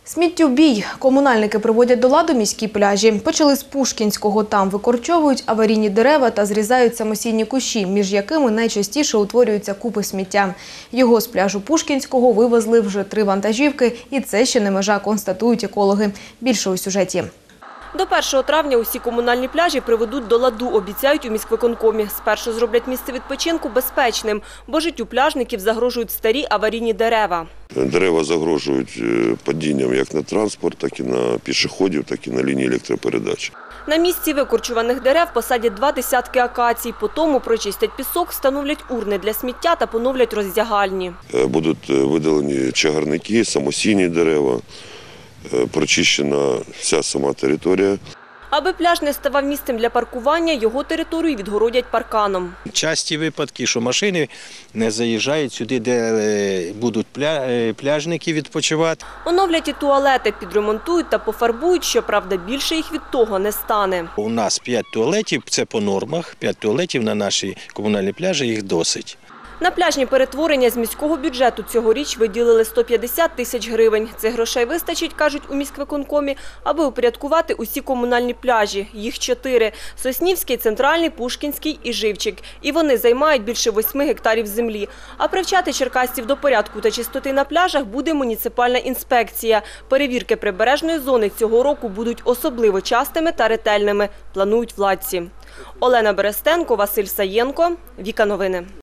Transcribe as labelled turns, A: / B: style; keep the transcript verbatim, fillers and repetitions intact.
A: Сміттєбій. Комунальники приводять до ладу міські пляжі. Почали з Пушкінського. Там викорчовують аварійні дерева та зрізають самосійні кущі, між якими найчастіше утворюються купи сміття. Його з пляжу Пушкінського вивезли вже три вантажівки. І це ще не межа, констатують екологи. Більше у сюжеті.
B: До першого травня усі комунальні пляжі приведуть до ладу, обіцяють у міськвиконкомі. Спершу зроблять місце відпочинку безпечним, бо життю пляжників загрожують старі аварійні дерева.
C: Дерева загрожують падінням як на транспорт, так і на пішоходів, так і на лінії електропередач.
B: На місці викорчуваних дерев посадять два десятки акацій. Потім прочистять пісок, встановлять урни для сміття та поновлять роздягальні.
C: Будуть видалені чагарники, самосійні дерева. Прочищена вся сама територія.
B: Аби пляж не ставав місцем для паркування, його територію відгородять парканом.
D: Часті випадки, що машини не заїжджають сюди, де будуть пляжники відпочивати.
B: Оновлять і туалети, підремонтують та пофарбують, щоправда, більше їх від того не стане.
D: У нас п'ять туалетів, це по нормах, п'ять туалетів на нашій комунальній пляжі, їх досить.
B: На пляжні перетворення з міського бюджету цьогоріч виділили сто п'ятдесят тисяч гривень. Цих грошей вистачить, кажуть у міськвиконкомі, аби упорядкувати усі комунальні пляжі. Їх чотири – Соснівський, Центральний, Пушкінський і Живчик. І вони займають більше восьми гектарів землі. А привчати черкасців до порядку та чистоти на пляжах буде муніципальна інспекція. Перевірки прибережної зони цього року будуть особливо частими та ретельними, планують владці. Олена Берестенко, Василь Саєнко, Віка Новини.